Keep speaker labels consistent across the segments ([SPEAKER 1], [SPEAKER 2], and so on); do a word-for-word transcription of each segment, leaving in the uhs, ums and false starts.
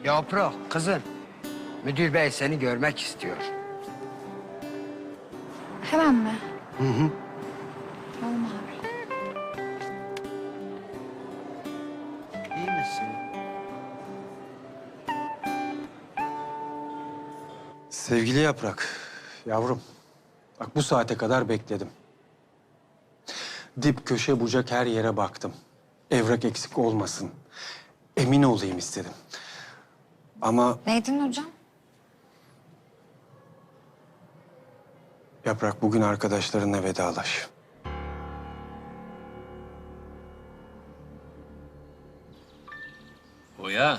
[SPEAKER 1] Yaprak, kızım. Müdür bey seni görmek istiyor.
[SPEAKER 2] Hemen mi?
[SPEAKER 1] Hı hı.
[SPEAKER 2] Tamam abi.
[SPEAKER 1] İyi misin?
[SPEAKER 3] Sevgili Yaprak, yavrum. Bak bu saate kadar bekledim. Dip köşe bucak her yere baktım. Evrak eksik olmasın. Emin olayım istedim. Ama
[SPEAKER 2] Neydin hocam?
[SPEAKER 3] Yaprak bugün arkadaşlarınla vedalaş.
[SPEAKER 4] Oya.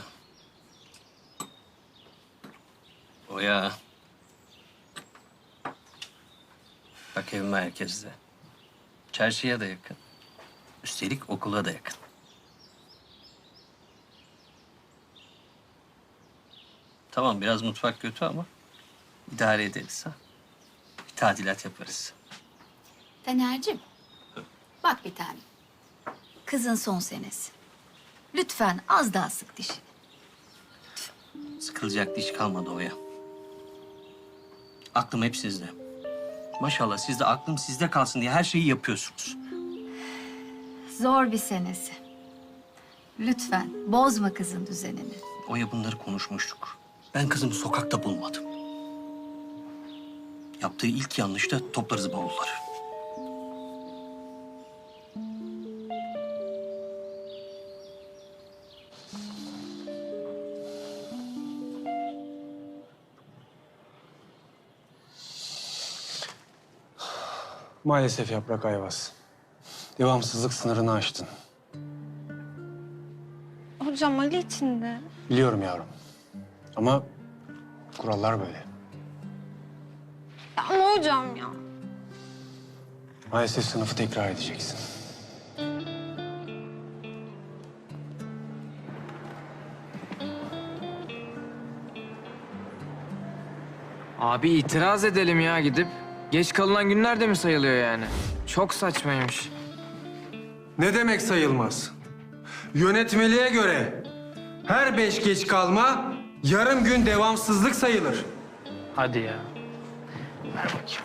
[SPEAKER 4] Oya. Bak evim merkezde. Çarşıya da yakın. Üstelik okula da yakın. Tamam biraz mutfak kötü ama idare ederiz ha. Bir tadilat yaparız.
[SPEAKER 5] Taner'cim, bak bir tane. Kızın son senesi. Lütfen az daha sık dişini.
[SPEAKER 4] Sıkılacak diş kalmadı Oya. Aklım hep sizde. Maşallah siz de aklım sizde kalsın diye her şeyi yapıyorsunuz.
[SPEAKER 5] Zor bir senesi. Lütfen bozma kızın düzenini.
[SPEAKER 4] Oya bunları konuşmuştuk. Ben kızımı sokakta bulmadım. Yaptığı ilk yanlışta toplarız bavulları.
[SPEAKER 3] Maalesef Yaprak Ayvaz. Devamsızlık sınırını aştın.
[SPEAKER 2] Hocam Ali için de.
[SPEAKER 3] Biliyorum yavrum. Ama kurallar böyle.
[SPEAKER 2] Ya ama hocam ya.
[SPEAKER 3] Maalesef sınıfı tekrar edeceksin.
[SPEAKER 6] Abi itiraz edelim ya gidip. Geç kalınan günler de mi sayılıyor yani? Çok saçmaymış.
[SPEAKER 3] Ne demek sayılmaz? Yönetmeliğe göre her beş geç kalma yarım gün devamsızlık sayılır.
[SPEAKER 6] Hadi ya. Ver bakayım.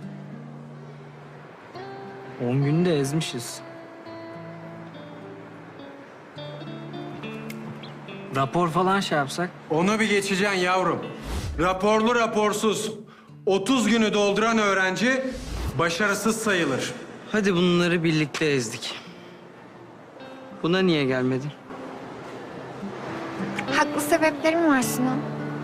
[SPEAKER 6] On günde ezmişiz. Rapor falan şey yapsak?
[SPEAKER 3] Onu bir geçeceksin yavrum. Raporlu raporsuz otuz günü dolduran öğrenci başarısız sayılır.
[SPEAKER 7] Hadi bunları birlikte ezdik. Buna niye gelmedin?
[SPEAKER 2] Haklı sebeplerim var Sinan.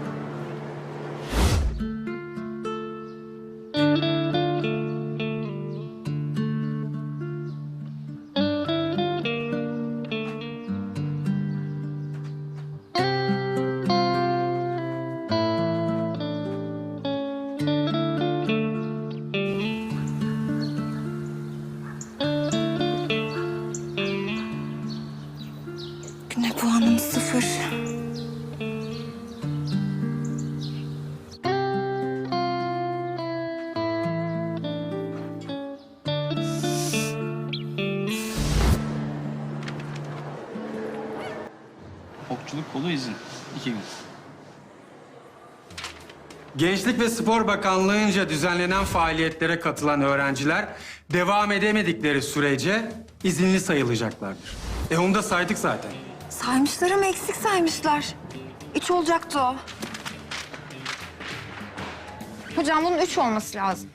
[SPEAKER 2] Güne puanım sıfır.
[SPEAKER 4] Okçuluk kolu izin. İki gün.
[SPEAKER 3] Gençlik ve Spor Bakanlığı'nca düzenlenen faaliyetlere katılan öğrenciler devam edemedikleri sürece izinli sayılacaklardır. E onu da saydık zaten.
[SPEAKER 2] Saymışlar ama eksik saymışlar. Üç olacaktı o. Hocam bunun üç olması lazım.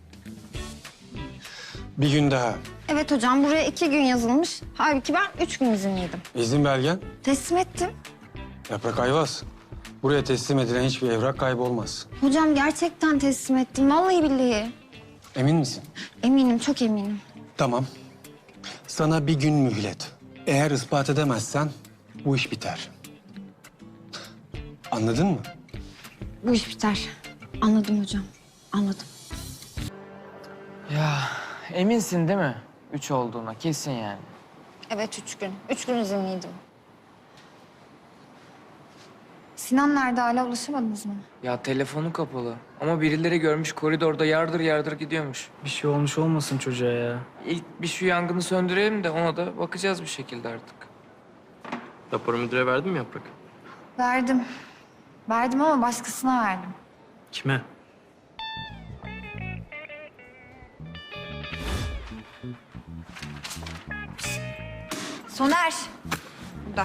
[SPEAKER 3] Bir gün daha.
[SPEAKER 2] Evet hocam buraya iki gün yazılmış. Halbuki ben üç gün izinliydim.
[SPEAKER 3] İzin belgen.
[SPEAKER 2] Teslim ettim.
[SPEAKER 3] Yaprak Ayvaz. Buraya teslim edilen hiçbir evrak kaybolmaz.
[SPEAKER 2] Hocam gerçekten teslim ettim. Vallahi billahi.
[SPEAKER 3] Emin misin?
[SPEAKER 2] Eminim, çok eminim.
[SPEAKER 3] Tamam. Sana bir gün mühlet. Eğer ispat edemezsen bu iş biter. Anladın mı?
[SPEAKER 2] Bu iş biter. Anladım hocam. Anladım.
[SPEAKER 6] Ya eminsin değil mi? Üç olduğuna kesin yani.
[SPEAKER 2] Evet üç gün. Üç gün izinliydim. Sinan nerede? Hala ulaşamadınız mı?
[SPEAKER 6] Ya telefonu kapalı. Ama birileri görmüş koridorda yardır yardır gidiyormuş. Bir şey olmuş olmasın çocuğa ya. İlk bir şu yangını söndürelim de ona da bakacağız bir şekilde artık.
[SPEAKER 8] Raporu müdüre verdin mi Yaprak?
[SPEAKER 2] Verdim. Verdim ama başkasına verdim.
[SPEAKER 7] Kime?
[SPEAKER 2] Soner. Burada.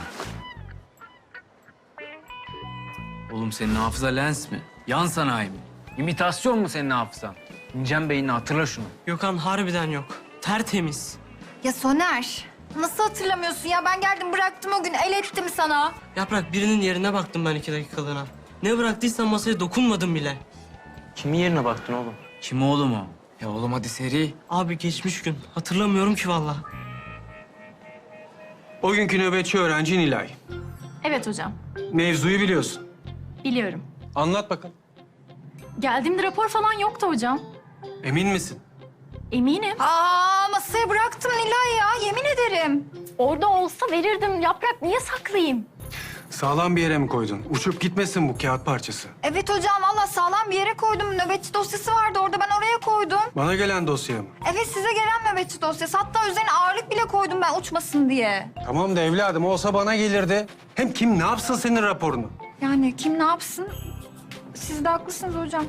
[SPEAKER 8] Oğlum senin hafıza lens mi? Yan sanayi mi? İmitasyon mu senin hafızan? İneceksin beynini, hatırla şunu.
[SPEAKER 7] Gökhan harbiden yok. Tertemiz.
[SPEAKER 2] Ya Soner. Nasıl hatırlamıyorsun ya? Ben geldim bıraktım o gün. El ettim sana.
[SPEAKER 7] Yaprak birinin yerine baktım ben iki dakikalığına. Ne bıraktıysan masaya dokunmadım bile.
[SPEAKER 6] Kimin yerine baktın oğlum?
[SPEAKER 8] Kim oğlum o?
[SPEAKER 6] Ya oğlum hadi seri.
[SPEAKER 7] Abi geçmiş gün. Hatırlamıyorum ki vallahi.
[SPEAKER 3] O günkü nöbetçi öğrenci Nilay.
[SPEAKER 9] Evet hocam,
[SPEAKER 3] Mevzuyu biliyorsun.
[SPEAKER 9] biliyorum.
[SPEAKER 3] Anlat bakalım.
[SPEAKER 9] Geldiğimde rapor falan yoktu hocam.
[SPEAKER 3] Emin misin?
[SPEAKER 9] Eminim.
[SPEAKER 2] Aa masaya bıraktım Nilay ya. Yemin ederim.
[SPEAKER 9] Orada olsa verirdim. Yaprak niye saklayayım?
[SPEAKER 3] Sağlam bir yere mi koydun? Uçup gitmesin bu kağıt parçası.
[SPEAKER 2] Evet hocam valla sağlam bir yere koydum. Nöbetçi dosyası vardı orada ben oraya koydum.
[SPEAKER 3] Bana gelen dosya mı?
[SPEAKER 2] Evet size gelen nöbetçi dosyası. Hatta üzerine ağırlık bile koydum ben uçmasın diye.
[SPEAKER 3] Tamam da evladım olsa bana gelirdi. Hem kim ne yapsın senin raporunu?
[SPEAKER 2] Yani kim ne yapsın? Siz de haklısınız hocam.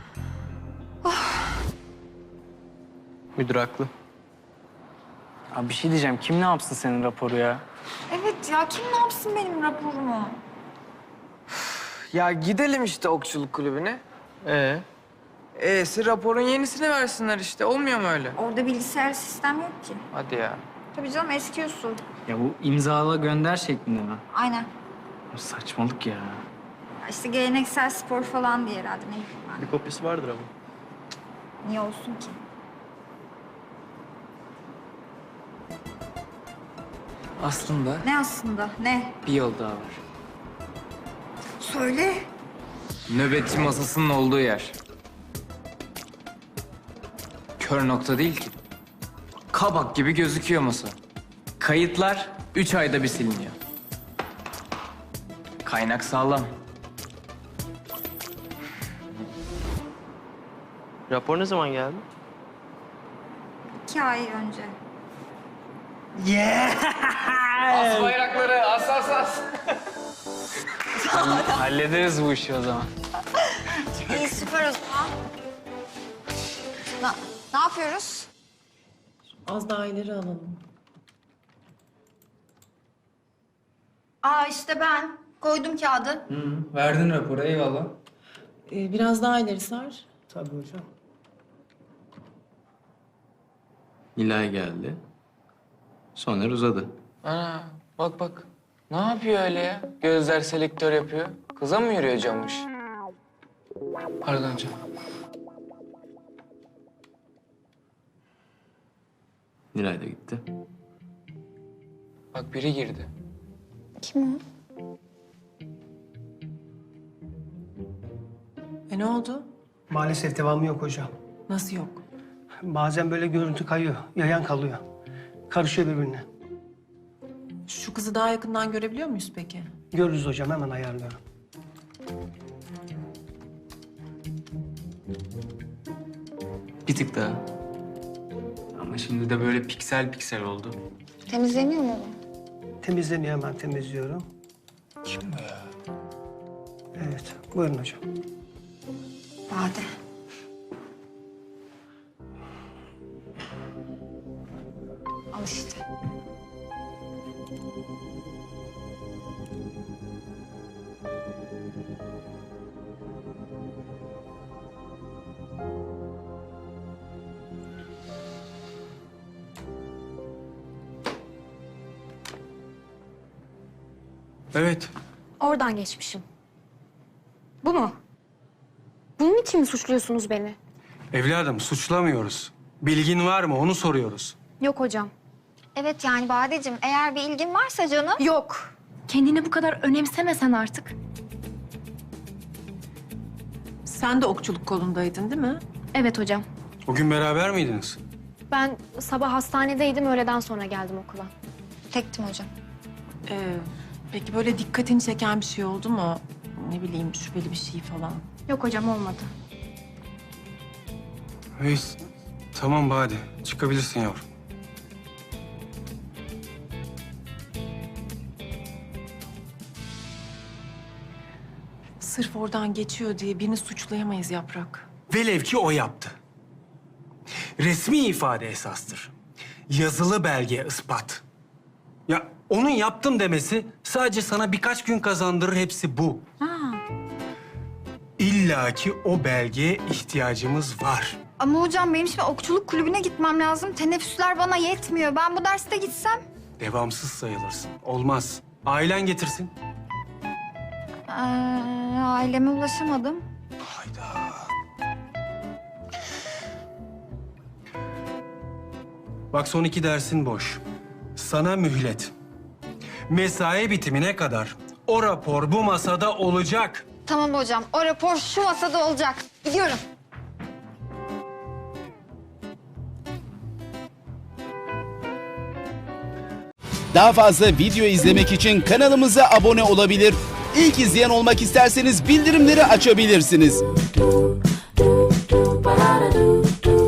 [SPEAKER 6] Müdür haklı. Abi bir şey diyeceğim. Kim ne yapsın senin raporu ya?
[SPEAKER 2] Evet ya kim ne yapsın benim raporumu?
[SPEAKER 6] Ya gidelim işte okçuluk kulübüne.
[SPEAKER 7] Ee?
[SPEAKER 6] E'si raporun yenisini versinler işte. Olmuyor mu öyle?
[SPEAKER 2] Orada bilgisayar sistem yok ki.
[SPEAKER 6] Hadi ya.
[SPEAKER 2] Tabii canım eski usul.
[SPEAKER 8] Ya bu imzala gönder şeklinde mi?
[SPEAKER 2] Aynen.
[SPEAKER 8] Saçmalık ya.
[SPEAKER 2] Ya İşte geleneksel spor falan diye herhalde ne bileyim ben.
[SPEAKER 7] Bir kopyası vardır ama.
[SPEAKER 2] Niye olsun ki?
[SPEAKER 6] Aslında
[SPEAKER 2] Ne aslında? Ne?
[SPEAKER 6] bir yol daha var.
[SPEAKER 2] Söyle.
[SPEAKER 6] Nöbetçi masasının olduğu yer. Kör nokta değil ki. Kabak gibi gözüküyor masa. Kayıtlar üç ayda bir siliniyor. Kaynak sağlam.
[SPEAKER 7] Rapor ne zaman geldi?
[SPEAKER 2] İki ay önce.
[SPEAKER 6] As bayrakları, as as as. Hallederiz bu işi o zaman.
[SPEAKER 2] İyi süper o zaman. Na, ne yapıyoruz?
[SPEAKER 10] Az daha ileri alalım.
[SPEAKER 2] Aa işte ben. Koydum kağıdı.
[SPEAKER 6] Verdin raporu, eyvallah.
[SPEAKER 10] Ee, biraz daha ileri sar.
[SPEAKER 7] Tabii hocam.
[SPEAKER 4] Nilay geldi. Soner uzadı.
[SPEAKER 6] Ana bak bak. Ne yapıyor öyle ya? Gözler selektör yapıyor. Kıza mı yürüyor camış? Pardon canım.
[SPEAKER 4] Nilay da gitti.
[SPEAKER 6] Bak biri girdi.
[SPEAKER 2] Kim o?
[SPEAKER 10] E ne oldu?
[SPEAKER 11] Maalesef devamı yok hocam.
[SPEAKER 10] Nasıl yok?
[SPEAKER 11] Bazen böyle görüntü kayıyor, yayan kalıyor. Karışıyor birbirine.
[SPEAKER 10] Şu kızı daha yakından görebiliyor muyuz peki?
[SPEAKER 11] Görürüz hocam, hemen ayarlıyorum.
[SPEAKER 6] Bir tık daha. Ama şimdi de böyle piksel piksel oldu.
[SPEAKER 2] Temizleniyor mu bu?
[SPEAKER 11] Temizleniyor, hemen temizliyorum. Kim bu ya? Evet, buyurun hocam.
[SPEAKER 2] Bade. Al işte.
[SPEAKER 3] Evet.
[SPEAKER 12] Oradan geçmişim. Bu mu? Bunun için mi suçluyorsunuz beni?
[SPEAKER 3] Evladım suçlamıyoruz. Bilgin var mı onu soruyoruz.
[SPEAKER 12] Yok hocam.
[SPEAKER 2] Evet yani Badeciğim eğer bir ilgin varsa canım.
[SPEAKER 12] Yok. Kendini bu kadar önemsemesen artık.
[SPEAKER 10] Sen de okçuluk kolundaydın değil mi?
[SPEAKER 12] Evet hocam.
[SPEAKER 3] O gün beraber miydiniz?
[SPEAKER 12] Ben sabah hastanedeydim, öğleden sonra geldim okula.
[SPEAKER 2] Tektim hocam.
[SPEAKER 10] Ee, peki böyle dikkatini çeken bir şey oldu mu? Ne bileyim şüpheli bir şey falan.
[SPEAKER 12] Yok hocam, olmadı.
[SPEAKER 3] Hey, tamam Bade. Çıkabilirsin yavrum.
[SPEAKER 10] Sırf oradan geçiyor diye birini suçlayamayız Yaprak.
[SPEAKER 3] Velev ki o yaptı. Resmi ifade esastır. Yazılı belge ispat. Ya onun yaptım demesi sadece sana birkaç gün kazandırır, hepsi bu. İlla ki o belgeye ihtiyacımız var.
[SPEAKER 2] Ama hocam benim şimdi okçuluk kulübüne gitmem lazım. Teneffüsler bana yetmiyor. Ben bu derste gitsem.
[SPEAKER 3] Devamsız sayılırsın. Olmaz. Ailen getirsin.
[SPEAKER 2] Ee, aileme ulaşamadım.
[SPEAKER 3] Hayda. Bak son iki dersin boş. Sana mühlet. Mesai bitimine kadar o rapor bu masada olacak.
[SPEAKER 2] Tamam hocam. O rapor şu masada olacak. Gidiyorum.
[SPEAKER 13] Daha fazla video izlemek için kanalımıza abone olabilir. İlk izleyen olmak isterseniz bildirimleri açabilirsiniz.